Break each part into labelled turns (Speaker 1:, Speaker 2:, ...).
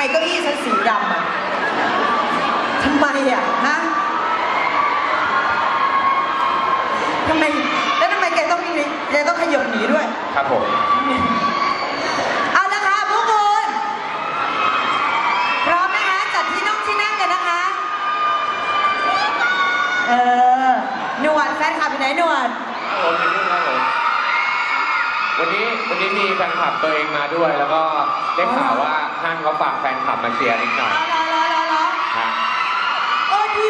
Speaker 1: เก้าอี้ฉันสีดำอ่ะทำไมอ่ะฮะทำไมแล้วทำไมแกต้องขยับหนีด้วย
Speaker 2: ครับผม
Speaker 1: เอาละค่ะพวกคุณพร้อมนะคะจัดที่นั่งกันนะคะหนวดแฟนคลับอยู่ไหนหนวด
Speaker 2: ผมอยู่นี่ครับผมวันนี้มีแฟนคลับตัวเองมาด้วยแล้วก็ได้ข่าวว่าห้างเขาฝากแฟนคลับมาเชียร์นิดหน่อย
Speaker 1: ดี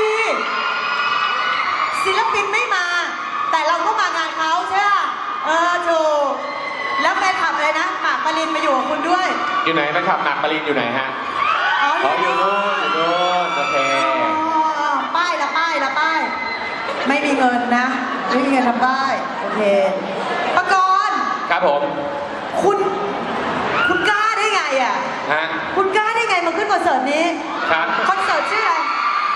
Speaker 1: ศิลปินไม่มาแต่เราก็มางานเขาใช่ไหมถูกแล้วแฟนคลับเลยนะหมากปรินมาอยู่กับคุณด้วย
Speaker 2: อยู่ไหนแฟนคลับหมากปรินอยู่ไหนฮะอยู่นู่นโอเค
Speaker 1: ป้ายไม่มีเงินนะไม่มีเงินทำป้ายโอเคปกรณ์
Speaker 2: ครับผม
Speaker 1: คุณกล้าได้ไงอ่ะ
Speaker 2: ฮะ
Speaker 1: คุณกล้าได้ไงมาขึ้นคอนเสิร์ตนี้
Speaker 2: ครับ
Speaker 1: คอนเสิร์ตชื่ออะไร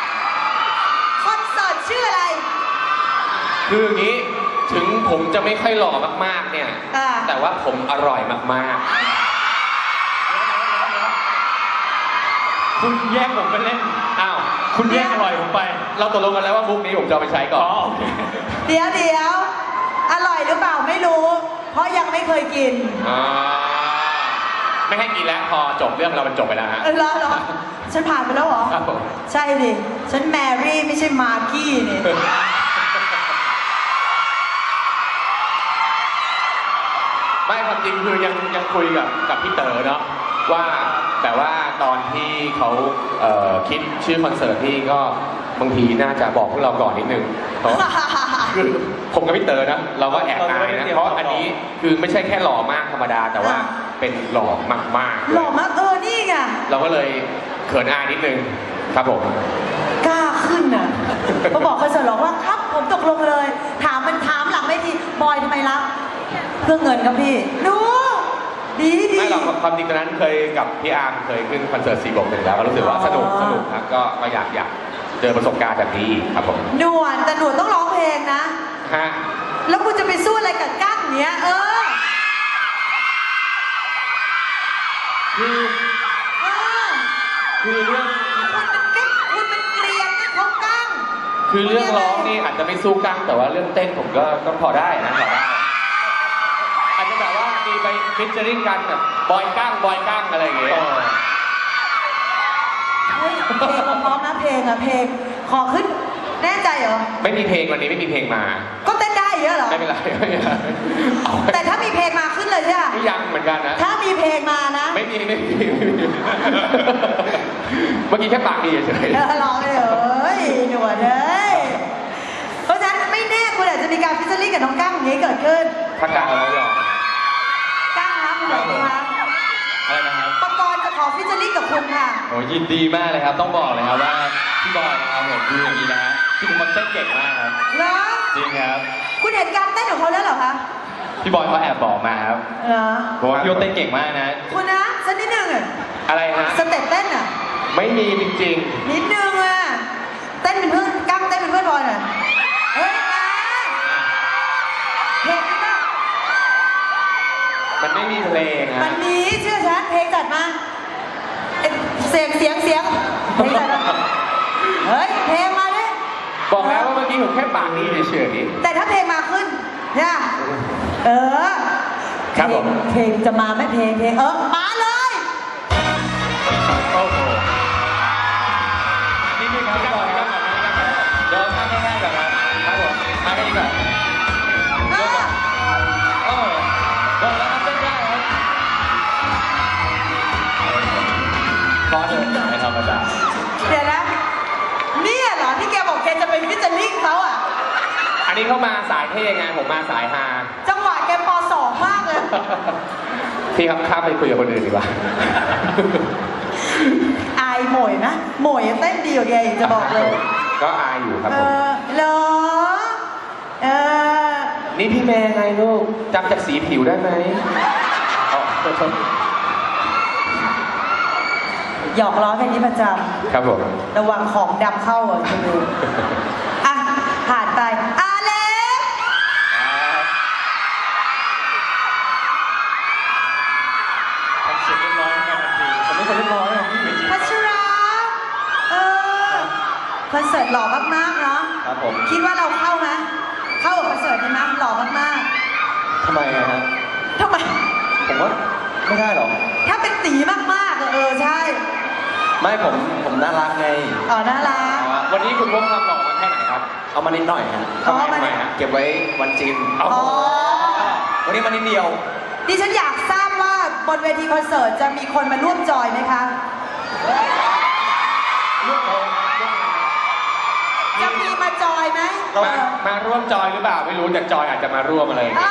Speaker 2: คืออย่างนี้ถึงผมจะไม่ค่อยหล่อมากๆเนี่ยแต่ว่าผมอร่อยมาก
Speaker 3: ๆคุณแย่งผมไปเล่น
Speaker 2: อ้าว
Speaker 3: คุณแย่งอร่อยผมไป
Speaker 2: เราตกลงกันแล้วว่ามุกนี้ผมจะเอาไปใช้ก่อน
Speaker 1: เดี๋ยวอร่อยหรือเปล่าไม่รู้เพราะยังไม่เคยกิน
Speaker 2: ไม่ให้กินแล้วพอจบเรื่องเรามันจบไปแล้วฮะ
Speaker 1: เหรอฉันผ่านไปแล้วเหรอใช่ดิฉันแมรี่ไม่ใช่มาร์กี้นี่
Speaker 2: ไม่ความจริงคือยังคุยกับพี่เต๋อเนาะว่าแต่ว่าตอนที่เขาคิดชื่อคอนเสิร์ตที่ก็บางทีน่าจะบอกพวกเราก่อนนิดนึงเพราะคือผมกับพี่เต๋อนะเราก็แอบอายนะเพราะอันนี้คือไม่ใช่แค่หล่อมากธรรมดาแต่ว่าเป็นหล่อมาก
Speaker 1: หล่อมากนี่ไง
Speaker 2: เราก็เลยเขินอายนิดนึงครับผม
Speaker 1: กล้าขึ้นน่ะเขาบอกคอนเสิร์ตหรอว่าครับผมตกลงเลยถามหลังไม่ทีบอยทำไมรับเพื่อเงินครับพี่ดูดี
Speaker 2: ไม่หรอกความจริงตอนนั้นเคยกับพี่อาร์มเคยขึ้นคอนเสิร์ต4+1แล้วก็รู้สึกว่าสนุกครับก็อยากเจอประสบการณ์แบบนี้ครับผม
Speaker 1: หนวดแต่หนวดต้องร้องเพลงนะ
Speaker 2: ฮะ
Speaker 1: แล้วคุณจะไปสู้อะไรกับกั้งเนี้ย
Speaker 2: คือเรื่อง
Speaker 1: คุณเป็นเกลียนนะเขากั้ง
Speaker 2: คือเรื่องร้องนี่อาจจะไม่สู้กั้งแต่ว่าเรื่องเต้นผมก็พอได้นะพอได้อาจจะแบบว่ามีไปฟิชเจอริ่งกันแบบบอยกั้งอะไรอย่างเงี้ย
Speaker 1: เพลงพร้อมนะเพลงขอขึ้นแน่ใจเหรอ
Speaker 2: ไม่มีเพลงวันนี้ไม่มีเพลงมา
Speaker 1: ก็เต้นได้เยอะเหรอ
Speaker 2: ไม่เป็นไร
Speaker 1: แต่ถ้ามีเพลงมาขึ้นเลยใช่ไหม
Speaker 2: ยังเหมือนกันนะ
Speaker 1: ถ้ามีเพลงมานะ
Speaker 2: ไม่มีเมื่อกี้แค่ปากดีเฉย
Speaker 1: ร้องเลยหนวดเลยเพราะฉะนั้นไม่แน่คุณอาจจะมีการฟิชเชอริ่งกับน้องกั้งอย่างนี้เกิดขึ้น
Speaker 2: ถ้ากั้งเราหรอ
Speaker 1: กั้งครับคุณหนวดคะ
Speaker 3: อะไรนะครับ
Speaker 1: ปกรณ์จะขอฟิชเชอริ่งกับคุณค่ะ
Speaker 3: โอ้ยินดีมากเลยครับต้องบอกเลยครับว่าพี่บอยนะครับผมคืออย่างนี้นะคือมันเต้นเก่งมากครับ
Speaker 1: เหรอ
Speaker 3: จริงครับ
Speaker 1: คุณเห็นการเต้นของเขาแล้วเหรอคะ
Speaker 3: พี่บอยเขาแอบบอกมาครับบอกว่าพี่เต้นเก่งมากนะ
Speaker 1: คุณนะสักนิดนึง
Speaker 2: อะไรฮะ
Speaker 1: สเต็ปเต้นอ่ะ
Speaker 2: ไม่มีจริง
Speaker 1: ๆนิดนึงเต้นเป็นเพื่อนกั้งเต้นเป็นเพื่อนบอยหน่อยเฮ้ยเพลงมั้ย
Speaker 2: มันไม่มีเพลง
Speaker 1: มันมีเชื่อฉันเพลงจัดมาเสียงเพลงจัดมาเฮ้ยเพลงมาดิ
Speaker 2: บอกแล้วว่าเมื่อกี้ผมแค่ปากดีเฉย
Speaker 1: ๆแต่ถ้าเพลงมาขึ้นเนี่ย
Speaker 2: ครับผม
Speaker 1: เพลงจะมาไหมเพลงมาเลย
Speaker 3: โอ้โหนี่ครับพี่บอยครับเดี๋ยวทำง่ายๆก่อนครับผมมากันดีกว่าเดี๋ยวแล้วครับเต้นได้ครับพอเถอะไม่ธรรมดา
Speaker 1: เดี๋ยวนะนี่เหรอที่แกบอกแกจะไปฟิชเชอริ่งเขาอ่ะ
Speaker 2: อันนี้เขามาสายเท่ไงผมมาสายฮา
Speaker 1: จังหวะแกป.2 มากเลย
Speaker 2: พี่ครับข้ามไปคุยกับคนอื่นดีกว่า
Speaker 1: อายหมวยนะหมวยเต้นดีกว่าแกจะบอกเลย
Speaker 2: ก็อายอยู่ครับผม
Speaker 1: เหรอ
Speaker 2: นี่พี่แม่ไงลูกจำจากสีผิวได้ไหม
Speaker 1: หยอกล้อกันนี้ประจำ
Speaker 2: ครับผม
Speaker 1: ระวังของดำเข้าคุณดูผ่านไปเล็ก
Speaker 3: ทำเสียงเรียบร้อยกันทันทีผมไม่เคยเรียบร้อยหรอกพี่
Speaker 1: เสิร์ตหล่อมากๆเนาะ
Speaker 3: ครับผม
Speaker 1: คิดว่าเราเข้าไหมเข้ากับคอนเสิร์ตนี้ไหมหล่อมาก
Speaker 3: ทำไมอะฮะ
Speaker 1: ๆทำไม
Speaker 3: ผมว่าไม่ได้หรอก
Speaker 1: ถ้าเป็นตีมากๆใช่
Speaker 3: ไม่ผมน่ารักไง
Speaker 1: อ๋อน่ารัก
Speaker 2: วันนี้คุณพกความหล่อมาแค่ไหนครับ
Speaker 3: เอามานิดหน่อยฮะ
Speaker 1: อ๋อมา
Speaker 2: ทำไมฮะ
Speaker 3: เก็บไว้วันจีน
Speaker 2: เอา
Speaker 1: อ๋อ
Speaker 3: วันนี้มานิดเดียว
Speaker 1: ดิฉันอยากทราบว่าบนเวทีคอนเสิร์ตจะมีคนมาร่วมจอยไหมคะ จะมีมาจอยไหม
Speaker 2: มาร่วมจอยหรือเปล่าไม่รู้แต่จอยอาจจะมาร่วมอะไรอย่างเงี้ย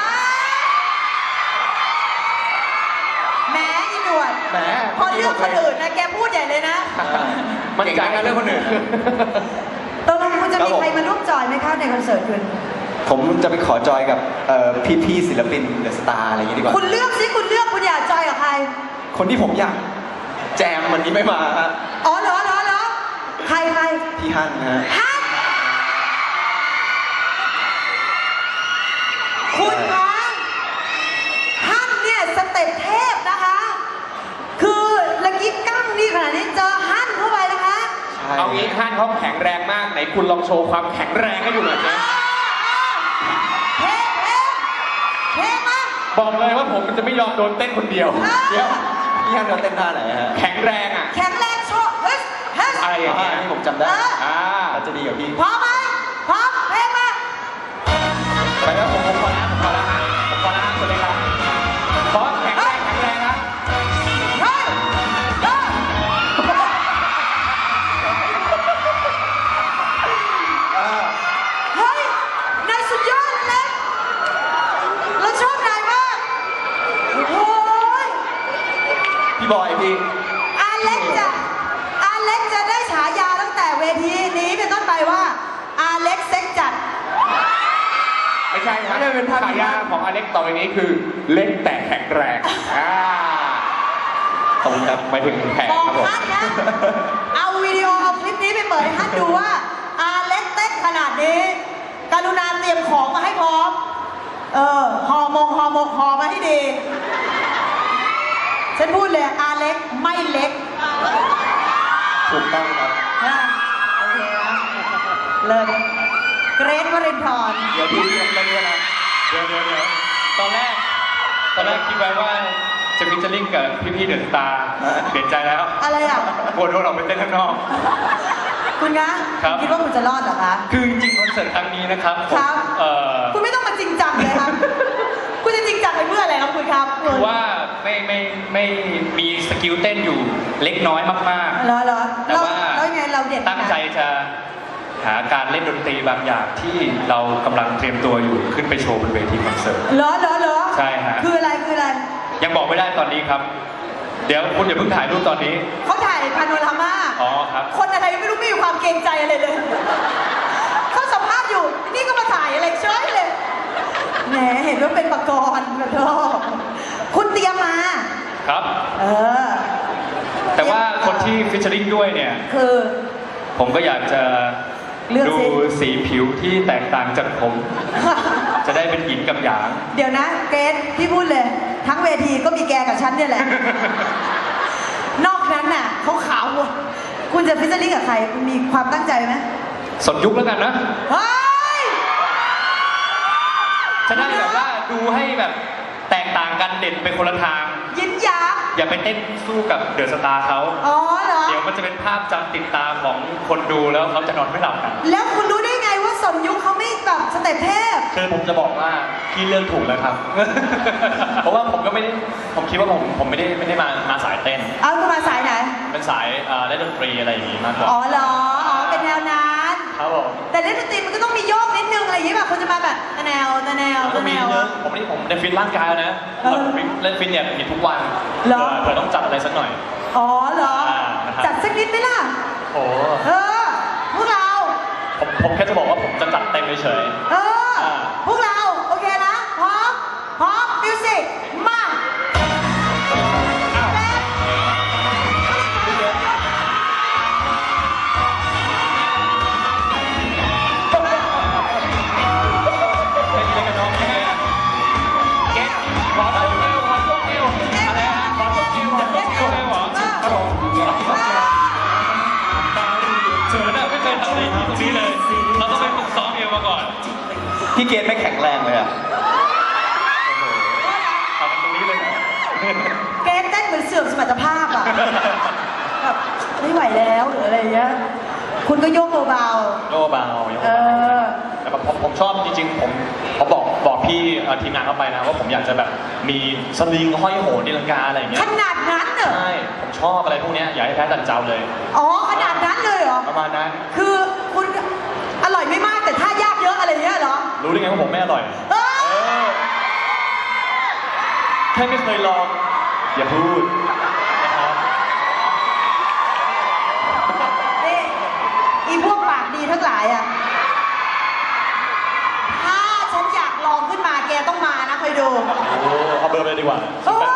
Speaker 1: แหม้อีหนวด
Speaker 3: แหม
Speaker 1: พอเรื่องคนอื่นนะแกพูดใหญ่เลยนะ
Speaker 2: มันใจกันเรื่องคนอื่น
Speaker 1: ตกลงคุณจะมีใครมาร่วมจอยไหมคะในคอนเสิร์ตคุณ
Speaker 3: ผมจะไปขอจอยกับพี่ๆศิลปินเดอะสตาร์อะไรอย่างงี้ดีกว่า
Speaker 1: คุณเลือกสิคุณเลือกคุณอยากจอยกับใคร
Speaker 3: คนที่ผมอยากแจมวันนี้ไม่มาฮะ
Speaker 1: อ๋อเหรอใคร
Speaker 3: พี่ฮั่นฮะ
Speaker 1: ฮันคุณคะฮันเนี่ยสเต็ปเทพนะคะ คือละกิ๊กกั้งนี่ขนาดนี้เจอฮันเข้าไปนะคะ
Speaker 3: ใช่
Speaker 2: เอางี้ฮั่นเขาแข็งแรงมากไหนคุณลองโชว์ความแข็งแรงให้ดูหน่อยสิ
Speaker 1: เท่มาก
Speaker 2: บอกเลยว่าผมจะไม่ยอมโดนเต้นคนเดียว
Speaker 3: เดี๋ยวพี่ฮั่นเราเต้นท่าไหนฮะ
Speaker 2: แข็งแรงอ่ะ
Speaker 1: แข็งแรงโชว์เฮ้ย
Speaker 2: อะไรอย่างเงี้ย
Speaker 3: อันนี้ผมจำได้
Speaker 2: อ่า
Speaker 3: เราจะดีกับพี่
Speaker 1: พร้อมไหมพร้อมเพลงมา
Speaker 2: ไปแล้วผมขอแล้วผมขอแล้วฮะผมขอแล้วฮะคนเลยครับขอแข็งแรงครับ
Speaker 1: เฮ้ยเฮ้ยนายสุดยอดเลยเราชอบนายมากโอ้ย
Speaker 3: พี่บอยพี่
Speaker 1: อาเล็กจะได้ฉายาตั้งแต่เวทีนี้เป็นต้นไปว่าอาเล็กเซ็กจัด
Speaker 2: ไม่ใช่ครับฉายาของอเล็กต่อไปนี้คือเล็กแต่แข็งแรงขอบคุณครับหมายถึงแข็ง
Speaker 1: บอก
Speaker 2: ครับผม
Speaker 1: ฮัทนะ เอาวิดีโอเอาคลิปนี้ไปเปิดให้ฮัทดูว่าอาเล็กเต้นขนาดนี้ กรุณาเตรียมของมาให้พร้อม ห่อหมกห่อมาให้ดี ฉันพูดเลยอาเล็กไม่เล็ก
Speaker 3: ถูกต้องครับ
Speaker 1: นะโอเคนะเลยเกรทวรินทร์
Speaker 3: เดี๋ยวพี่ต้องเล่นด้วยนะ
Speaker 4: เดี๋ยวตอนแรกคิดไว้ว่าจะฟิชเชอร์ลิงกับพี่ๆเดอะสตาร์เปลี่ยนใจแล้ว
Speaker 1: อะไรอ่ะ
Speaker 4: กลัวโดนออกไปเต้นข้างนอก
Speaker 1: คุณนะครับ คิดว่าคุณจะรอดเหรอคะ
Speaker 4: คือจริงๆคอนเสิร์ตครั้งนี้นะครับผม
Speaker 1: ครับ คุณไม่ต้องมาจริงจังเลยครับ คุณจะจริงจังไปเพื่ออะไรครับคุณครับ
Speaker 4: คือว่าไม่มีสกิลเต้นอยู่เล็กน้อยมาก
Speaker 1: เหรอ
Speaker 4: ๆ แต่ว่า
Speaker 1: แล้วไงเราเด็ด
Speaker 4: ตั้งใจจะหาการเล่นดนตรีบางอย่างที่เรากำลังเตรียมตัวอยู่ขึ้นไปโชว์บนเวทีคอนเสิร์ต
Speaker 1: เหรอ
Speaker 4: ใช่ฮะ
Speaker 1: คืออะไร
Speaker 4: ยังบอกไม่ได้ตอนนี้ครับ เดี๋ยวคุณอย่าเพิ่งถ่ายรูปตอนนี้
Speaker 1: เขาถ่ายพาโนรามา
Speaker 4: อ๋อครับ
Speaker 1: คนอะไรไม่รู้ไม่มีความเกรงใจอะไรเลย เขาสัมภาษณ์อยู่ นี่ก็มาถ่ายอะไรเฉยเลย แหมเห็นว่าเป็นประกรณ์แบบคุณเตรียมมา
Speaker 4: ครับ
Speaker 1: เออ
Speaker 4: แต่ว่าคนที่ฟิชเชอร์ลิงด้วยเนี่ย
Speaker 1: คือ
Speaker 4: ผมก็อยากจะ
Speaker 1: เลือก
Speaker 4: ดู
Speaker 1: สิ
Speaker 4: สีผิวที่แตกต่างจากผม จะได้เป็นหยินกับหยาง
Speaker 1: เดี๋ยวนะเกรทพี่พูดเลย ทั้งเวทีก็มีแกกับฉันเนี่ยแหละ นอกนั้นน่ะเขาขาวหมดคุณจะฟิชเชอร์ลิงกับใครคุณมีความตั้งใจไหม
Speaker 4: สนยุคแล้วกันนะ
Speaker 1: เฮ้ย
Speaker 4: จะได้แบบว่าดูให้แบบแตกต่างกันเด่นไปคนละทาง
Speaker 1: ยินหยาง
Speaker 4: อย่าไปเต้นสู้กับเดอะสตาร์เขา
Speaker 1: อ๋อเหรอ
Speaker 4: เดี๋ยวมันจะเป็นภาพจำติดตาของคนดูแล้วเขาจะนอนไม่หลับกัน
Speaker 1: แล้วคุณรู้ได้ไงว่าสนยุคเขาไม่แบบสเต็ปเทพ
Speaker 4: คือผมจะบอกว่าพี่เลือกถูกแล้วครับ เพราะว่าผมก็ไม่ได้ผมคิดว่าผมไม่ได้มาสายเต้น
Speaker 1: เอาคุณมาสายไหน
Speaker 4: เป็นสายเล่นดนตรีอะไรอย่างงี้มากกว่า
Speaker 1: อ๋อเหรอ อ๋อ เป็นแนวนั้น
Speaker 4: ครับผม
Speaker 1: แต่เล่นดนตรีมันก็ต้องมีโยกนิดนึงอะไรอย่างงี้ป่ะคุณจะมาแบบตะแนว
Speaker 4: แล้วก็มีเรื่องผมได้ฟิตร่างกายแล้วนะ
Speaker 1: เออ
Speaker 4: เล่นฟิตเนี่ยมีทุกวัน
Speaker 1: เหรอ
Speaker 4: เผื่อต้องจัดอะไรสักหน่อย
Speaker 1: อ๋อเหรอ
Speaker 4: นะครับ
Speaker 1: จัดสักนิดไหมล่ะ
Speaker 4: โอ้
Speaker 1: เออ พวกเรา
Speaker 4: ผมแค่จะบอกว่าผมจะจัดเต็มเฉย
Speaker 1: เออ พวกเรา โอเคนะ พร้อม มิวสิก มาแป๊บ
Speaker 4: ๆเล่นกับน้องแค่เก็ตขอช่วงเอวอะไรฮะขอช่วงเอวเหรอครับผมเธอน่ะไม่เคยทำอะไรอย่างนี้
Speaker 3: พี่เกณฑ์ไม่แข็งแรงเลยอ่ะ
Speaker 4: ทำตรงนี้เลยเหรอ
Speaker 1: เกณฑ์เต้นเหมือนเสื่อมสมรรถภาพอ่ะแบบไม่ไหวแล้วหรืออะไรอย่างเงี้ยคุณก็โยกเบา
Speaker 4: โยกเบา
Speaker 1: ๆเออ
Speaker 4: แต่แบบผมชอบจริงๆผมบอกพี่ทีมงานเข้าไปนะว่าผมอยากจะแบบมีสลิงห้อยโหนตีลังกาอะไรอย่างเงี้
Speaker 1: ข
Speaker 4: ย
Speaker 1: นาดนั้นเหรอ
Speaker 4: ใช่ผมชอบอะไรพวกเนี้ยอยากให้แพ้ตันเจ้าเลย
Speaker 1: อ๋อขนาดนั้นเลยเหรอ
Speaker 4: ประมาณนั้น
Speaker 1: คือคุณอร่อยไม่มากแต่ท่ายากเยอะอะไรอย่างเงี้ยเหรอ
Speaker 4: รู้ได้ไงว่าผมไม่อร่อย
Speaker 1: เออ
Speaker 4: แค่ไม่เคยลองอย่าพูดนะครับ
Speaker 1: นี่อีพวกปากดีทั้งหลายอ่ะถ้าฉันอยากลองขึ้นมาแกต้องมานะคอยดู
Speaker 4: โอ้เอาเบอร์ไปเลยดีกว่า
Speaker 1: เออ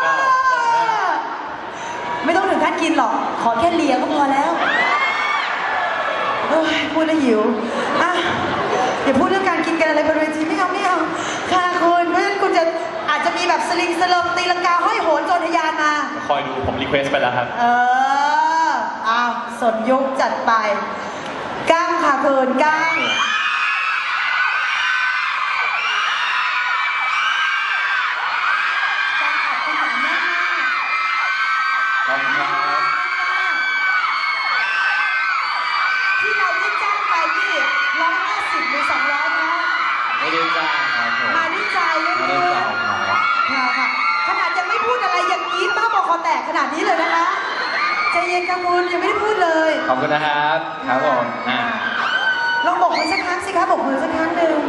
Speaker 1: ไม่ต้องถึงขั้นกินหรอก ขอแค่เลียก็พอแล้วเอ้ยพูดแล้วหิวอ่ะอย่าพูดเรื่องการกินกันอะไรบนเวทีไม่เอาค่ะคุณเพราะฉะนั้นคุณจะอาจจะมีแบบสลิงสเลิมตีลังกาห้อยโหนโจรทะยานมา
Speaker 4: คอยดูผมรีเควสไปแล้วครับ
Speaker 1: เอออ้าวสดยุคจัดไปก้างค่ะคุณก้างก้างขอบคุณมาก
Speaker 4: ขอบคุณครับ
Speaker 1: ที่เราได้จ้างไปนี่150หรือ200นะ
Speaker 3: ไม่ได้จ้างครับผม
Speaker 1: มาด้วยใจนะ
Speaker 3: ไม่
Speaker 1: คุ
Speaker 3: ได้
Speaker 1: ณ
Speaker 3: จ่ายครับ
Speaker 1: ค่ะขนาดยังไม่พูดอะไรยังกรี๊ดบ้าบอคอแตกขนาดนี้เลยนะคะใจเย็นค่ะคุณยังไม่ได้พูดเลย
Speaker 3: ขอบคุณนะครับครับผม
Speaker 1: ลองบอกมือสักครั้งสิคะบอกมือสักครั้งหนึ่ง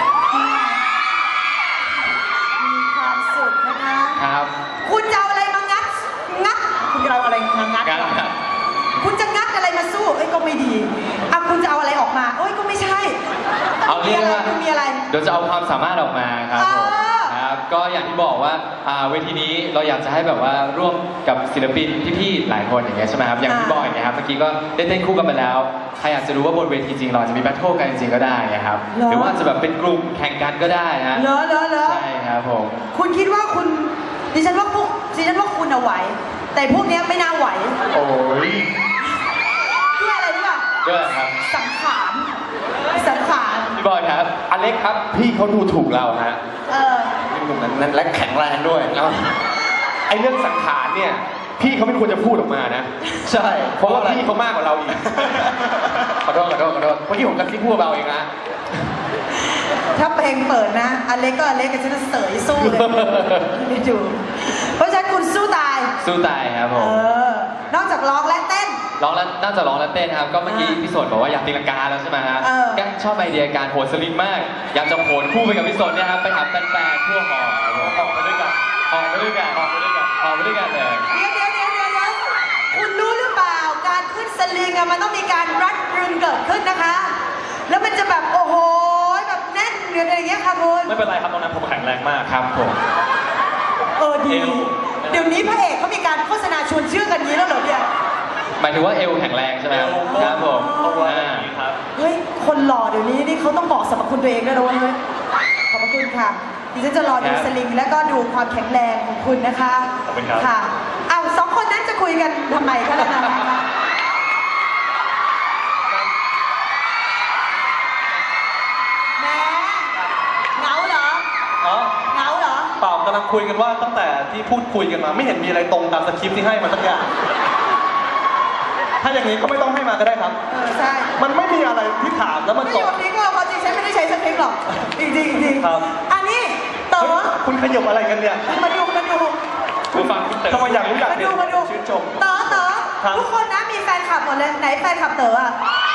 Speaker 1: มีความสุขนะคะ
Speaker 3: ครับ
Speaker 1: คุณจะเอาอะไรมางัดคุณจะเอาอะไรมางัด
Speaker 4: งานครับ
Speaker 1: คุณจะงัดอะไรมาสู้เอ้ยก็ไม่ดีอ่ะคุณจะเอาอะไรออกมาเอ้ยก็ไม่ใช่
Speaker 3: เอาเรียกว่า
Speaker 1: คุณมีอะไร
Speaker 3: เดี๋ยวจะเอาความสามารถออกมาครับผม
Speaker 1: เออ
Speaker 3: ครับก็อย่างที่บอกว่าเวทีนี้เราอยากจะให้แบบว่าร่วมกับศิลปินพี่ๆหลายคนอย่างเงี้ยใช่ไหมครับอย่างพี่บอยเนี่ยครับเมื่อกี้ก็ได้เต้นคู่กันไปแล้วใครอยากจะรู้ว่าบนเวทีจริงเราจะมีแบทเทิลกันจริงๆก็ได้นะครับหรือว่าจะแบบเป็นกลุ่มแข่งกันก็ได้นะ
Speaker 1: เหรอ
Speaker 3: ใช่ครับผม
Speaker 1: คุณคิดว่าดิฉันว่าคุณเอาไหว แต่พวกเนี้ยไม่น่าไหว
Speaker 3: โอ้ย
Speaker 1: ด้วยอะไรรู้ป่ะ
Speaker 3: ด้วยครับ
Speaker 1: สังขาร
Speaker 3: พี่บอยครับ
Speaker 2: อเล็กครับ พี่เขาดูถูกเราฮะ
Speaker 1: เออ
Speaker 2: เป็นหนุ่มนั้นและแข็งแรงด้วยแล้วไอ้เรื่องสังขารเนี่ย พี่เขาไม่ควรจะพูดออกมานะ
Speaker 3: ใช่
Speaker 2: เพราะว่าพี่เขามากกว่าเราอีก ขอโทษเมื่อกี้ผมกระซิบพูดเบาเองนะ
Speaker 1: ถ้าเพลงเปิดนะอเล็กกับฉันจะเสยสู้เลยเดี๋ยวดูเพราะฉะนั้นคุณสู้ตาย
Speaker 3: สู้ตายครับผ
Speaker 1: เอ
Speaker 3: ม
Speaker 1: นอกจากร้องและเต้น
Speaker 3: ร้องแล้วน่าจะร้องและเต้นครับ ก็เมื่อกี้พี่สนบอกว่าอยากตีลังกาแล้วใช่ไหมฮะ
Speaker 1: เออ
Speaker 3: แกชอบไอเดียการโหนสลิงมาก อยากจะโหนคู่ไปกับพี่สนเนี่ยครับ ไปหาแฟนๆทั่วหอครับผม
Speaker 4: ออกไปด้วยกัน
Speaker 3: ออกไปด้วยกันออกไปด้วยกันออกไปด้วยกันเลย
Speaker 1: เดี๋ยวคุณรู้หรือเปล่าการขึ้นสลิงอะมันต้องมีการรัดรึงเกิดขึ้นนะคะ แล้วมันจะแบบโอ้โหแบบแน่นหรืออะไรอย่างเงี้ยค่ะคุณ
Speaker 4: ไม่เป็นไรครับตรงนั้นผมแข็งแรงมาก
Speaker 3: ครับผม
Speaker 1: ดี
Speaker 4: เอว
Speaker 1: เดี๋ยวนี้พระเอกเขามีการโฆษณาชวนเชื่อกันนี้แล้วเหรอเนี่ย
Speaker 3: หมายถึงว่าเอวแข็งแรงใช่ไหมครับครับผม
Speaker 4: เอาไว้อย่างนี้ครับ
Speaker 1: เฮ้ยคนหล่อเดี๋ยวนี้นี่เขาต้องบอกสรรพคุณตัวเองด้วยนะเว้ยขอบพระคุณค่ะดิฉันจะรอดูสลิงและก็ดูความแข็งแรงของคุณนะคะ
Speaker 4: ขอบคุณครับ
Speaker 1: ค่ะอ้าวสองคนนั้นจะคุยกันทำไมคะล่ะนะแหมเหงาเหรอ
Speaker 5: อ๋อ
Speaker 1: เหงาเหรอ
Speaker 5: เปล่ากำลังคุยกันว่าตั้งแต่ที่พูดคุยกันมาไม่เห็นมีอะไรตรงตามสคริปต์ที่ให้มาสักอย่าง ถ้าอย่างนี้ก็ไม่ต้องให้มาก็ได้ครับ
Speaker 1: ใช่
Speaker 5: มันไม่มีอะไรที่ถามแล้วมัน
Speaker 1: ไม่
Speaker 5: ต
Speaker 1: โย
Speaker 5: รง
Speaker 1: นทิ้งว่าความจริงฉันไม่ได้ใช้สคริปต์หรอกจริงๆจริง
Speaker 5: ครับ
Speaker 1: อันนี้เต๋อ
Speaker 5: คุณขยบอะไรกันเนี่ย
Speaker 1: มาดู
Speaker 4: ผู้ฟังคุณเต๋อ
Speaker 5: ทำไมอยากรู้อยากเห็น
Speaker 1: มาดู
Speaker 5: ชื่นชม
Speaker 1: เต๋อ
Speaker 5: ครับ
Speaker 1: ทุกคนนะมีแฟนคลับหมดเลยไหนแฟนคลับเต๋ออะ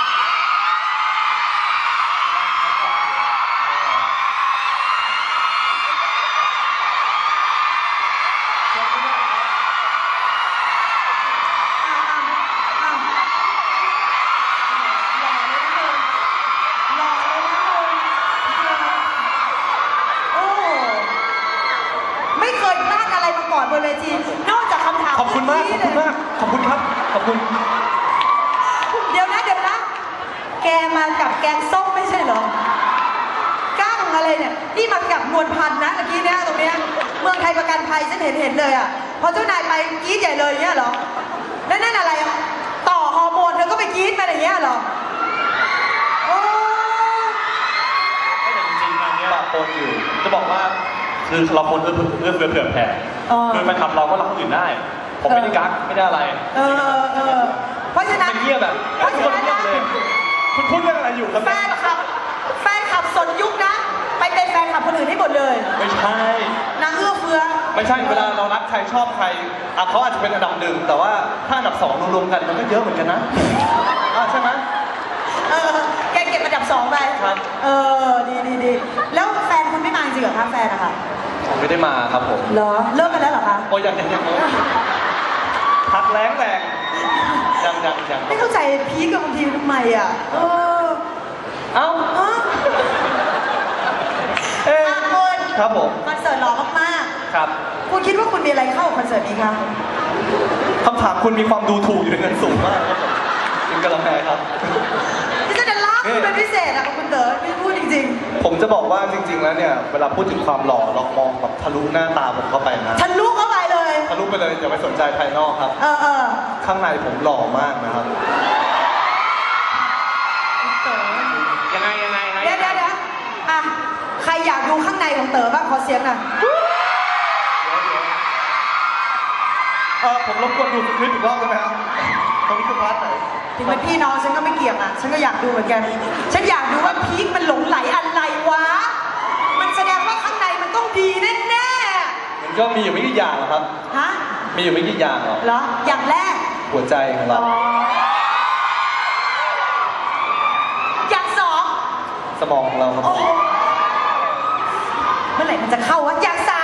Speaker 1: ไม่เคยพลาดอะไรมาก่อนบนเวทีนอกจากคำถาม
Speaker 5: ขอบคุณมาก ขอบคุณมาก ขอบคุณครับ ขอบคุณ
Speaker 1: เดี๋ยวนะ แกมากับแกงส้มไม่ใช่เหรอก้างอะไรเนี่ยนี่มากับนวลพันธ์นะเมื่อกี้เนี่ยตรงเนี้ยเมืองไทยประกันภัยฉันเห็นเลยอ่ะพอเจ้านายไปกรี๊ดใหญ่เลยอย่างเงี้ยเหรอแล้วนั่นอะไรอะต่อฮอร์โมนเธอก็ไปกรี๊ดมาอย่างเงี้ยเหรอโอ้
Speaker 4: แต่จริงๆงานเนี้ย
Speaker 5: คนอยู่ จะบอกว่าคือเราคนเอื้อเผื่อแผ่ คือแฟนคลับเราก็รักคนอื่นได้ ผมไม่ได้กักไม่ได้อะไร
Speaker 1: เพราะฉะนั้น
Speaker 5: เป็นเงียบแบบ
Speaker 1: เพราะ
Speaker 5: ทุก
Speaker 1: ฉะ
Speaker 5: คน
Speaker 1: นั้น
Speaker 5: เงียบ
Speaker 1: นะ
Speaker 5: เลย คุณพูดเรื่องอะไรอยู่ครับ
Speaker 1: แฟนคลับสนยุคนะ ไปเป็นแฟนคลับคนอื่นให้หมดเลย
Speaker 5: ไม่ใช่
Speaker 1: นางเอื้อเฟื้อ
Speaker 5: ไม่ใช่เวลาเรารักใครชอบใครเขาอาจจะเป็นอันดับหนึ่งแต่ว่าถ้าอันดับสองรวมๆกันมันก็เยอะเหมือนกันนะใช่ไหม
Speaker 1: แกเก็บอันดับ2ไป
Speaker 5: ครับ
Speaker 1: ดีแล้วแฟนคุณไม่มาจริงเหรอคะแฟนอะค่ะ
Speaker 5: ผมไม่ได้มาครับผม
Speaker 1: เหรอเลิกกันแล้วเหรอคะ
Speaker 5: โอ้ยังพักแรงยัง
Speaker 1: ไม่เข้าใจพีคกับบางทีทำไมอ่ะ
Speaker 5: เอ้า
Speaker 1: คุณ
Speaker 5: ครับผม
Speaker 1: คอนเสิร์ตหล่อมาก
Speaker 5: ครับ
Speaker 1: ๆคุณคิดว่าคุณมีอะไรเข้ากับคอนเสิร์ตนี้คะ
Speaker 5: คำถามคุณมีความดูถูกอยู่ในเงินสูงมากครับผมถึงกำลังแพ้ครับ
Speaker 1: ที่จะรักคุณเป็นพิเศษอะคุณเต๋อพี่พูดจริง
Speaker 5: ผมจะบอกว่าจริง ๆ แล้วเนี่ยเวลาพูดถึงความหล่อเรามองแบบทะลุหน้าตาผมเข้าไปนะ
Speaker 1: ๆทะลุเข้าไปเลย
Speaker 5: ทะลุไปเลยอย่าไปสนใจภายนอกครับ ข้างในผมหล่อมากนะครับ
Speaker 1: คุณเต๋อ
Speaker 2: ยังไง
Speaker 1: เดี๋ยวอ่ะใครอยากดูข้างในของเต๋อบ้างขอเสียงหน่อย
Speaker 5: ผมรบกวนดูคลิปอีกรอบได้ไหมครับตรงนี้คือพาร์ทไหน
Speaker 1: ถึงเป็นพี่น้องฉันก็ไม่เกี่ยงอ่ะฉันก็อยากดูเหมือนกัน ฉันอยากดูว่าพีคมันหลงไหลอะไรวะ มันแสดงว่าข้างในมันต้องดีแน่
Speaker 5: มันก็มีอยู่ไม่กี่อย่างหรอกครับ
Speaker 1: ๆฮะ
Speaker 5: มีอยู่ไม่กี่อย่างหรอก
Speaker 1: เหรออย่างแรก
Speaker 5: หัวใจของเรา
Speaker 1: อย่างสอง
Speaker 5: สมองของเราครับ
Speaker 1: โอ้โหเมื่อไหร่มันจะเข้าวะอย่างสาม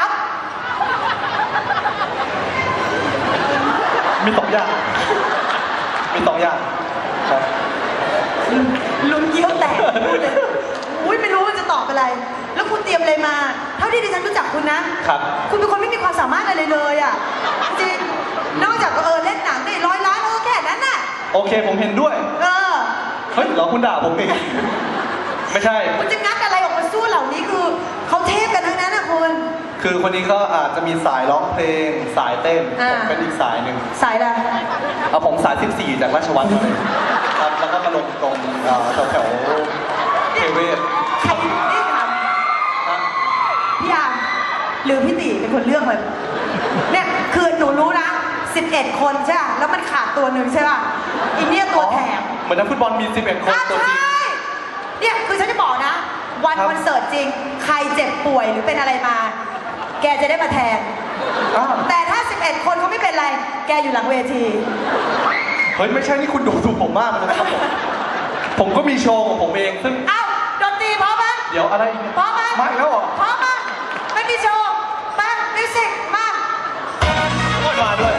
Speaker 5: มีสองอย่าง มีสองอย่างครับ
Speaker 1: ลุ้นเยี่ยวแตกพูดเลยอุ้ยไม่รู้ว่าจะตอบอะไร แล้วคุณเตรียมอะไรมา เท่าที่ดิฉันรู้จักคุณนะ
Speaker 5: ครับ
Speaker 1: คุณเป็นคนไม่มีความสามารถอะไรเลยอ่ะจริงนอกจากเล่นหนังได้100 ล้านแค่นั้นน่ะ
Speaker 5: โอเคผมเห็นด้วย เฮ้ยเหรอคุณด่าผมเองไม่ใช่
Speaker 1: คุณจะงัดอะไรออกมาสู้เหล่านี้คือเขาเทพกันทั้งนั้นนะคุณ
Speaker 5: คือคนนี้ก็อาจจะมีสายร้องเพลง สายเต้น ผมเป็นอีกสายหนึ่ง
Speaker 1: สายอะไร
Speaker 5: ผมสาย 14 จากราชวัฒน์เลยครับ แล้วก็มาลงตรงแถวเทเวศ
Speaker 1: ใครนี่ถามพี่ยามหรือพี่ตีเป็นคนเลือกเลยเนี่ยคือหนูรู้นะ11 คนใช่ป่ะแล้วมันขาดตัวหนึ่งใช่ป่ะอีเนี่ยตัวแถม
Speaker 5: เหมือนนักฟุตบอลมี 11 คนตัวจริง
Speaker 1: ใช่เนี่ยคือฉันจะบอกนะ วัน
Speaker 5: ครับ
Speaker 1: คอนเสิร์ตจริง ใครเจ็บป่วยหรือเป็นอะไรมา แกจะได้มาแทน
Speaker 5: อ้าว
Speaker 1: แต่ถ้า 11 คนเขาไม่เป็นไร แกอยู่หลังเวที
Speaker 5: เฮ้ยไม่ใช่นี่คุณดูถูกผมมากเลยนะครับผมก็มีโชว์ของผมเองซึ่ง
Speaker 1: เอ้าดนตรีพร้อมไหม
Speaker 5: เดี๋ยวอะไรอีกเนี่ย
Speaker 1: พร้อมไหม
Speaker 5: ไม่แล้วเหรอ
Speaker 1: พร้อมไหมไม่มีโชว์มามิวสิกมา
Speaker 5: มาด้วย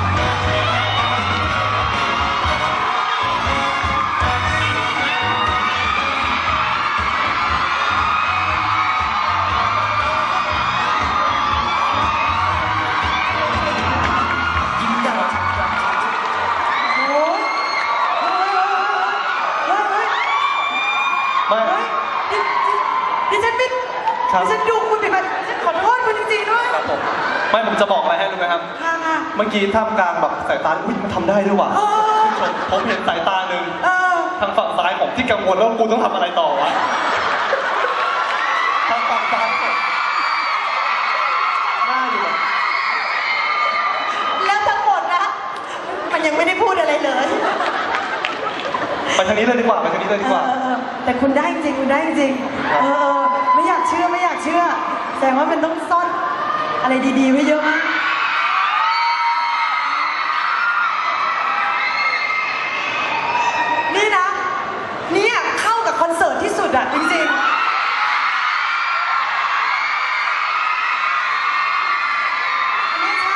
Speaker 1: โอ้ยเฮ้ย
Speaker 5: ไม่
Speaker 1: เฮ้ยดิฉันไม่
Speaker 5: ครับ
Speaker 1: ดิฉันดูคุณผิดไปดิฉันขอโทษคุณจริงๆด้วย
Speaker 5: ครับผมไม่ผมจะบอกอะไรให้รู้ไหมครับ
Speaker 1: ค่ะ
Speaker 5: เมื่อกี้ท่ามกลางแบบสายตาอุ้ยมันทำได้ด้วยว่ะ
Speaker 1: เออ
Speaker 5: ผมเห็นสายตาหนึ่ง
Speaker 1: เออ
Speaker 5: ทางฝั่งซ้ายผมที่กังวลแล้วกูต้องทำอะไรต่อวะทางฝั่งซ้ายเนี่ยหน้าอยู่แบบ
Speaker 1: แล้วทั้งหมดนะ มันยังไม่ได้พูดอะไรเลย
Speaker 5: ไปทางนี้เลยดีกว่าไปทางนี้เลยดีกว่า
Speaker 1: แต่คุณได้จริงคุณได้จริงไม่อยากเชื่อไม่อยากเชื่อแสดงว่ามันต้องซ่อนอะไรดีๆไว้เยอะมากนี่นะเนี่ยเข้ากับคอนเสิร์ตที่สุดอะจริงๆไม่ใช่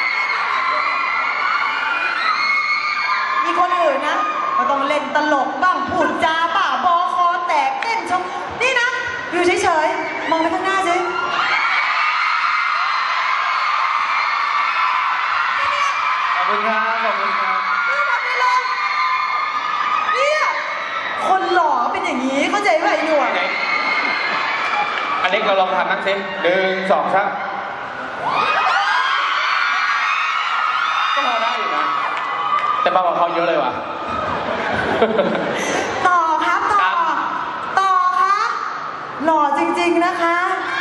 Speaker 1: มีคนอื่นนะก็ต้องเล่นตลกบ้างพูดจาบ้าบอคอแตกเต้นชมนี่นะ อยู่เฉยๆ มองไปข้างหน้าสิ
Speaker 3: ขอบคุณครับขอบคุณครับ
Speaker 1: ไม่ทำได้เลยเนี่ยคนหล่อเป็นอย่างนี้เข้าใจไหมไอ้หนวด
Speaker 2: อเล็กเราลองทำนั่งสิ1 2 3ก็พอได้อยู่นะ แต่เบากว่าเขาเยอะเลยว่ะ
Speaker 1: ต่อครับต่อ
Speaker 2: ครับ
Speaker 1: ต่อครับหล่อจริงๆนะคะ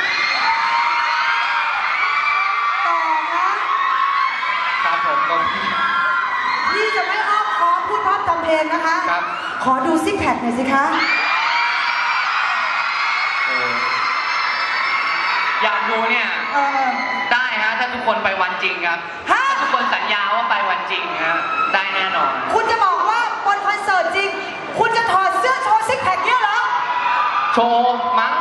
Speaker 1: ต่อคะ
Speaker 3: ครับผมก็
Speaker 1: พี่จะไม่อ้อมค้อมพูดพร่ำทำเพลงนะคะ
Speaker 3: ครับ
Speaker 1: ขอดูซิกแพคหน่อยสิคะ
Speaker 6: อยากดูเนี่ย
Speaker 1: เออ
Speaker 6: ได้ฮะถ้าทุกคนไปวันจริงครับ
Speaker 1: ฮะ
Speaker 6: ถ้าทุกคนสัญญาว่าไปวันจริงฮะได้แน่นอน
Speaker 1: คุณจะบอกว่าบนคอนเสิร์ตจริง คุณจะถอดเสื้อโชว์ซิกแพคเนี่ยเหรอ
Speaker 6: โชว์มั้ง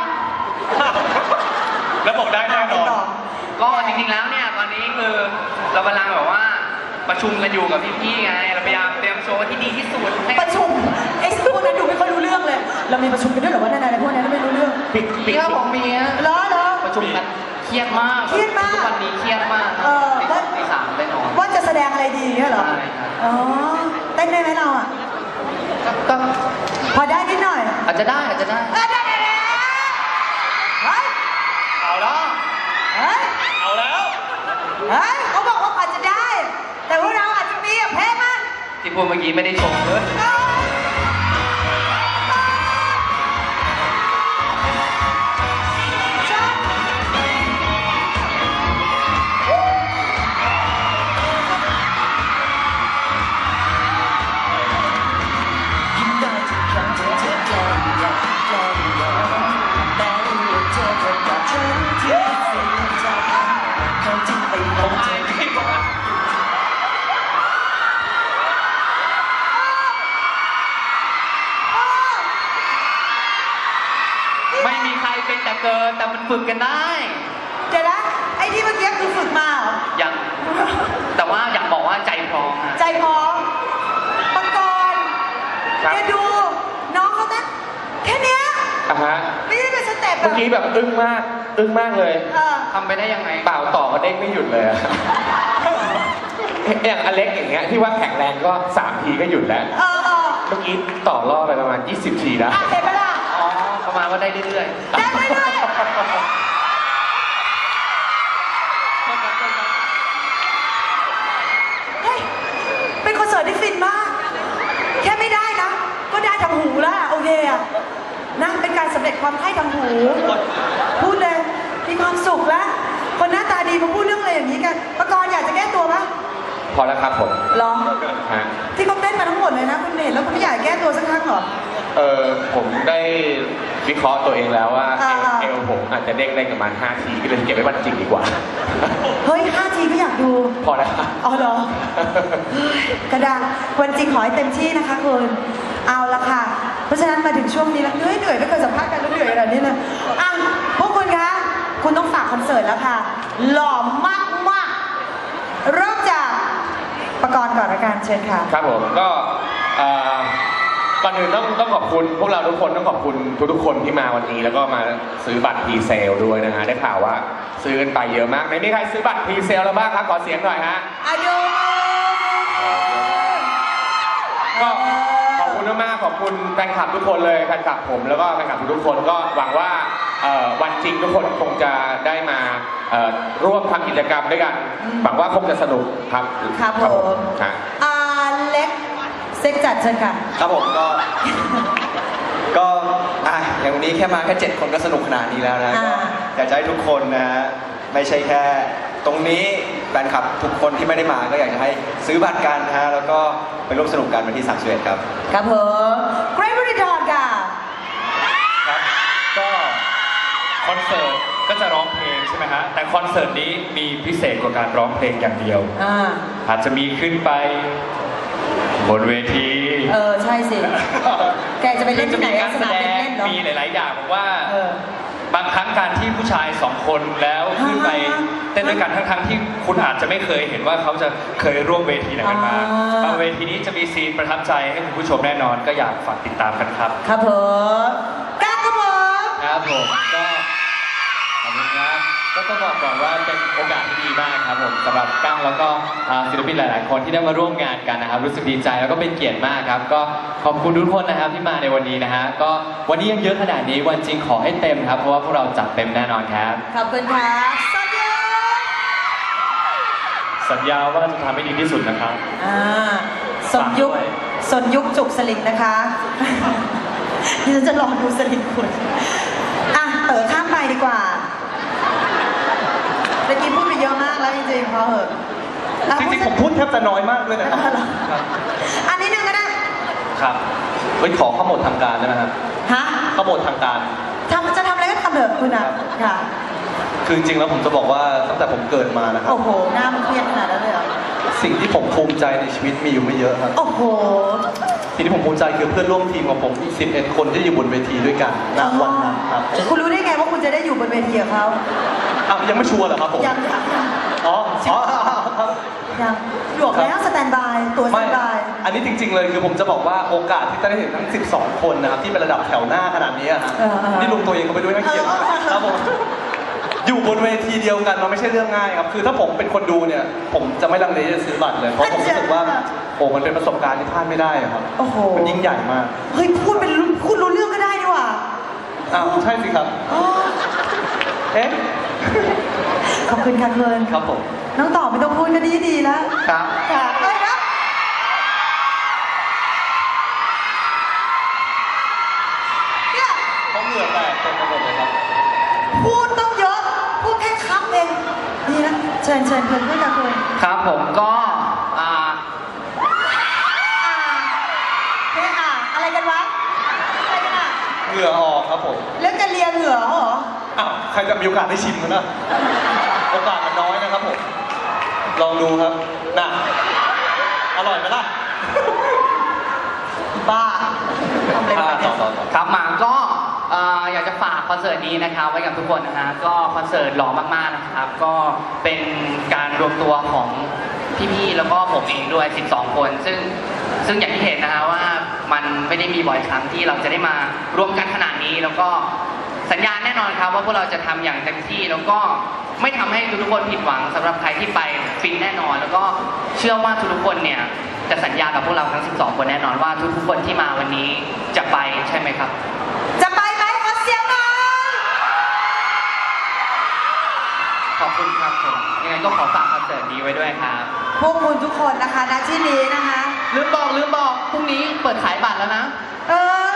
Speaker 4: แล้วบอกได้แน่นอน
Speaker 6: ก็จริงๆแล้วเนี่ยตอนนี้คือเรากำลังแบบว่าประชุมกันอยู่กับพี่ๆไงเราพยายามเตรียมโชว์ที่ดีที่สุดให้
Speaker 1: ประชุมไอ้พวกนั้นดูไม่ค่อยรู้เรื่องเลย เรามีประชุมกันด้วยเหรอว่านั่นอะไรพวกนั้นไม่รู้เรื่อง
Speaker 6: พี่ครับผมมีฮะ
Speaker 1: เหรอ
Speaker 6: ประชุมกันเครียดมาก
Speaker 1: เครียดมาก
Speaker 6: ทุกวันนี้เครียดมาก
Speaker 1: เออ
Speaker 6: ตีสองตีสามได้นอน
Speaker 1: ว่าจะแสดงอะไรดีเนี่ยเหรอ
Speaker 6: ใช่ครับ
Speaker 1: อ๋อเต้นได้ไหมเราอ่ะ
Speaker 6: ก็
Speaker 1: พอได้นิดหน่อย
Speaker 6: อาจจะได้อาจจะได้
Speaker 1: ได้เฮ้ย
Speaker 4: เอาแล้ว
Speaker 1: เฮ้ย
Speaker 4: เอาแล้ว
Speaker 1: เฮ้ยเขาบอกว่าอาจจะได้ แต่พวกเราอาจจะมีอะแพ้มาก
Speaker 6: ที่พูดเมื่อกี้ไม่ได้ชมเลย
Speaker 7: ยิ้มได้ทุกครั้งที่เธอแกล้งอยากแกล้งหยอกแม้ว่าเธอเกิดกับฉันที่เสียใจทั้งที่ไปมองเธอ
Speaker 6: ไม่มีใครเป็นแต่เกินแต่มันฝึกกันได้
Speaker 1: เดี๋ยวนะ ไอ้ที่เมื่อกี้คือฝึกมาเหรอ
Speaker 6: อย่างแต่ว่าอยากบอกว่าใจพร้อมอะ
Speaker 1: ใจพร้อมปังกร
Speaker 2: ครับ
Speaker 1: แกดู น้องเขาเต้นแค่เนี้ย
Speaker 2: อ่ะฮะ
Speaker 1: ไม่ได้เป็นสเต็ปแบ
Speaker 2: เมื่อบ กี้แบบอึ้งมากเลย
Speaker 1: เออ
Speaker 6: ทำไปได้ยังไง
Speaker 2: เปล่าต่อก็เด้งไม่หยุดเลยอะ อย่างอเล็กอย่างเงี้ยที่ว่าแข็งแรงก็3 ทีก็หยุดแล้ว
Speaker 1: เออ
Speaker 2: เมื่อกี้ต่อรอบไปประมาณ20 ทีแล้ว
Speaker 1: อ่ะเห็นไหมล่ะ
Speaker 6: อ๋อ ประมาณว่าได้เรื่อย
Speaker 1: ได้ไหมด้วยเฮ้ย เป็นคอนเสิร์ตที่ฟินมาก แค่ไม่ได้นะ ก็ได้ทางหูแล้วอะโอเคอะนะ เป็นการสำเร็จความใคร่ทางหู พูดเลย มีความสุขแล้ว คนหน้าตาดีมาพูดเรื่องอะไรอย่างนี้กันประกรณ์อยากจะแก้ตัวปะ
Speaker 2: พอแล้วครับผม
Speaker 1: หรอ
Speaker 2: ฮะ
Speaker 1: ที่เขาเต้นมาทั้งหมดเลยนะคุณเห็นแล้วคุณไม่อยากแก้ตัวสักครั้งเหรอ
Speaker 2: ผมได้วิเคราะห์ตัวเองแล้วว่า
Speaker 1: อ่า
Speaker 2: เอวผมอาจจะเด้งได้ประมาณ5 ทีก็เลยเก็บไว้วันจริงดีกว่า
Speaker 1: เฮ้ย5 ทีก็อยากดู
Speaker 2: พอแล้วครับ
Speaker 1: อ๋อเหรอ เฮ้ยกระดังวันจริงขอให้เต็มที่นะคะคุณเอาละค่ะ เพราะฉะนั้นมาถึงช่วงนี้แล้วเหนื่อยไม่เคยสัมภาษณ์กันแล้วเหนื่อยขนาดนี้เลยอ่ะพวกคุณคะ คุณต้องฝากคอนเสิร์ตแล้วค่ะ หล่อมากๆเริ่มจากประกรณ์ก่อนละกันเชิญค่ะ
Speaker 2: ครับผมก็ก่อนอื่นต้องขอบคุณพวกเราทุกคนต้องขอบคุณทุกๆคนที่มาวันนี้แล้วก็มาซื้อบัตรพรีเซลด้วยนะฮะได้ข่าวว่าซื้อกันไปเยอะมากไหนมีใครซื้อบัตรพรีเซลแล้วบ้างครับขอเสียงหน่อยฮะ
Speaker 1: อายุ
Speaker 2: ก็ขอบคุณมากๆขอบคุณแฟนคลับทุกคนเลยแฟนคลับผมแล้วก็แฟนคลับทุกคนก็หวังว่าวันจริงทุกคนคงจะได้มาร่วมทำกิจกรรมด้วยกันหวังว่าคงจะสนุกครับ
Speaker 1: ครับผม
Speaker 2: ฮะ
Speaker 1: อาเล็กเซ็กจัดเชิญค่ะ
Speaker 5: ครับผมก็ อย่างวันนี้แค่มาแค่7 คนก็สนุกขนาดนี้แล้วนะ
Speaker 1: อ่า
Speaker 5: ก็อยากจะให้ทุกคนนะฮะไม่ใช่แค่ตรงนี้แฟนคลับทุกคนที่ไม่ได้มาก็อยากจะให้ซื้อบัตรกันนะฮะแล้วก็ไปร่วมสนุกกันวันที่31ครับ
Speaker 1: ครับผมเกรทบริดอนค่ะ
Speaker 4: ครับก็คอนเสิร์ตก็จะร้องเพลงใช่ไหมฮะแต่คอนเสิร์ตนี้มีพิเศษกว่าการร้องเพลงอย่างเดียว อาจจะมีขึ้นไปบนเวที
Speaker 1: ใช่สิ แกจะไปเล่นที่ไหน
Speaker 4: คือจะมีการ
Speaker 1: ส
Speaker 4: แส
Speaker 1: นาม
Speaker 4: ด
Speaker 1: เด็ก
Speaker 4: ง
Speaker 1: เล่นเหรอ
Speaker 4: มีหลาย ๆ อย่างผมว่า
Speaker 1: เออ
Speaker 4: บางครั้งการที่ผู้ชาย2 คนแล้วขึ้นไปเต้นด้วยกันทั้ง ๆ ที่คุณอาจจะไม่เคยเห็นว่าเขาจะเคยร่วมเวทีไหนกันมาบางเวทีนี้จะมีซีนประทับใจให้คุณผู้ชมแน่นอนก็อยากฝากติดตามกันครับ
Speaker 1: ครับผมก้าวครับผม
Speaker 3: ครับผมก็ขอบคุณครับก็ต้องบอกก่อนว่าเป็นโอกาสที่ดีมากครับผมสำหรับกั้งแล้วก็ศิลปินหลาย ๆ คนที่ได้มาร่วมงานกันนะครับรู้สึกดีใจแล้วก็เป็นเกียรติมากครับก็ขอบคุณทุกคนนะครับที่มาในวันนี้นะฮะก็วันนี้ยังเยอะขนาดนี้วันจริงขอให้เต็มครับเพราะว่าพวกเราจัดเต็มแน่นอนครับ
Speaker 1: ขอบคุณครับสวัสดี
Speaker 4: สัญญาว่าจะทำให้ดีที่สุดนะครับ
Speaker 1: สนยุคสนยุคจุกสลิงนะคะ ดิฉันจะลองดูสลิงคุณอ่ะเต๋อข้ามดีกว่าเมื่อกี้พูดไปเยอะมากแล้วจริงๆพอเหอะแล้ว
Speaker 5: จริงๆผมพูดแทบจะน้อยมากด้วยนะครับ
Speaker 1: อันนี้หนึ่งก็ได้
Speaker 5: ครับเฮ้ยขอข้อมูลทางการได้ไหมครับ
Speaker 1: ฮะ
Speaker 5: ข้อมูลทางการ
Speaker 1: จะทำอะไรก็ทำเถอะคุณอ่ะค่ะ
Speaker 5: คือจริงๆแล้วผมจะบอกว่าตั้งแต่ผมเกิดมานะครับ
Speaker 1: โอ้โหหน้ามันเครียดขนาดนั้นเลยเหรอ
Speaker 5: สิ่งที่ผมภูมิใจในชีวิตมีอยู่ไม่เยอะครับ
Speaker 1: โอ้โห
Speaker 5: สิ่งที่ผมภูมิใจคือเพื่อนร่วมทีมของผมอีก11 คนที่อยู่บนเวทีด้วยกันณวันนั้นครับ
Speaker 1: คุณรู้ได้ไงว่าคุณจะได้อยู่บนเวทีกับเขา
Speaker 5: อ้าวยังไม่ชัวร์เหรอครับผม
Speaker 1: ยัง
Speaker 5: อ๋อครับ
Speaker 1: ยังหลวกแล้วสแตนบายตัวสแต
Speaker 5: ไม่
Speaker 1: นบาย
Speaker 5: อันนี้จริง ๆ เลยคือผมจะบอกว่าโอกาสที่จะได้เห็นทั้ง 12 คนนะครับที่เป็นระดับแถวหน้าขนาดนี้อะฮะนี่ลุงตัวเองก็ไปด้วยนักเกียรติครับผมอยู่บนเวทีเดียวกันมันไม่ใช่เรื่องง่ายครับคือถ้าผมเป็นคนดูเนี่ยผมจะไม่ลังเลจะซื้อบัตรเลยเพราะผมรู้สึกว่าโอ้มันเป็นประสบการณ์ที่พลาดไม่ได้อะครับ
Speaker 1: โอ้โห
Speaker 5: มันยิ่งใหญ่มาก
Speaker 1: เฮ้ยพูดรู้เรื่องก็ได้นี่หว่า
Speaker 5: อ้าวใช่สิครับ
Speaker 1: อ๋อ
Speaker 5: เอ๊ะ
Speaker 1: ขอบคุณค่ะเพื่อน
Speaker 5: ครับผม
Speaker 1: น้องต่อไม่ต้องพูดก็ดีแล้ว
Speaker 5: ครับ
Speaker 1: ค่ะเอ้ยครับเนี่ย
Speaker 5: เขาเหงื่อแตกเต็มไปหมดเลยครับ
Speaker 1: พูดต้องเยอะ พูดแค่คำเองดีนะเชิญเพื่อนด้วยค่ะเพื่อน
Speaker 6: ครับผมก็อ่า
Speaker 1: เนี่ยอะไรกันวะอะไรกันอ่ะ
Speaker 5: เหงื่อออกครับผม
Speaker 1: เรื่องจะเลียเหงื่อเหรอ
Speaker 5: อ้าวใครจะมีโอกาสได้ชิมกันนะโอกาสมันน้อยนะครับผมลองดูครับน่ะอร่อยไหมล่ะ
Speaker 1: บ้าทำอะไรไปเนี่ย
Speaker 5: ต่อ
Speaker 6: ครับมาก็อยากจะฝากคอนเสิร์ตนี้นะครับไว้กับทุกคนนะฮะก็คอนเสิร์ตหล่อมากๆนะครับ ก็เป็นการรวมตัวของพี่ๆแล้วก็ผมเองด้วย 12 คนซึ่งอย่างที่เห็นนะฮะว่ามันไม่ได้มีบ่อยครั้งที่เราจะได้มารวมกันขนาดนี้ แล้วก็สัญญาแน่นอนครับว่าพวกเราจะทำอย่างเต็มที่แล้วก็ไม่ทำให้ทุกๆคนผิดหวังสำหรับใครที่ไปฟินแน่นอน แล้วก็เชื่อว่าทุกๆคนเนี่ยจะสัญญากับพวกเราทั้ง 12 คนแน่นอนว่าทุกๆคนที่มาวันนี้จะไปใช่ไหมครับ
Speaker 1: จะไปไหมขอเสียงหน่อย
Speaker 6: ขอบคุณครับผมยังไงก็ขอฝากคอนเสิร์ตนี้ไว้ด้วยครับ
Speaker 1: พวกคุณทุกคนนะคะณที่นี้นะคะ
Speaker 6: ลืมบอกพรุ่งนี้เปิดขายบัตรแล้วนะ
Speaker 1: เออ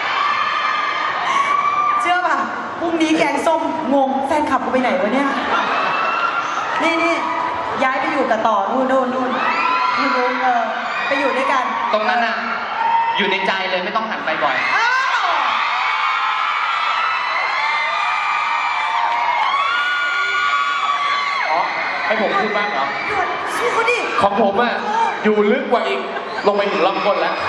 Speaker 1: เชื่อป่ะพรุ่งนี้แกงส้มงงแฟนคลับกูไปไหนวะเนี่ย นี่ย้ายไปอยู่กับต่อนู่นไปอยู่ด้วยกัน
Speaker 6: ตรงนั้นอ่ะ อยู่ในใจเลยไม่ต้องหันไปบ่อย
Speaker 1: อ้าว
Speaker 2: อ๋อให้ผมพูดบ้างเหรอ
Speaker 1: หยุดสู้เขาดิ
Speaker 2: ของผมอ่ะอยู่ลึกกว่าอีกลงไปถึงลำก้นแล้ว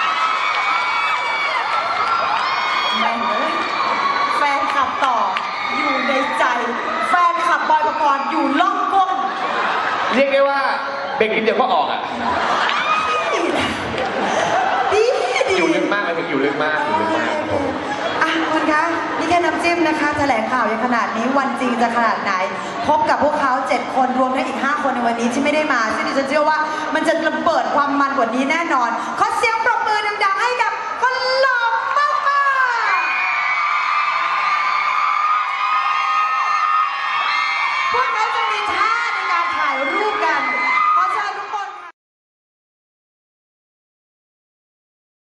Speaker 1: แม่งเลยแฟนคลับต่ออยู่ในใจ แฟนคลับบอยปกรณ์อยู่ล่องก้น
Speaker 2: เรียกได้ว่าเบรกนิดเดียวก็ออกอ่ะ
Speaker 1: ดี
Speaker 2: อยู่ลึกมากเลยถึงอยู่ลึกมากครับผม
Speaker 1: อ่ะคุณคะนี่แค่น้ำจิ้มนะคะ แถลงข่าวอย่างขนาดนี้วันจริงจะขนาดไหน พบกับพวกเขา 7 คนรวมทั้งอีก 5 คนในวันนี้ที่ไม่ได้มา ซึ่งดิฉันเชื่อว่ามันจะระเบิดความมันกว่านี้แน่นอน ขอเสียงปรบมือดังๆให้กับ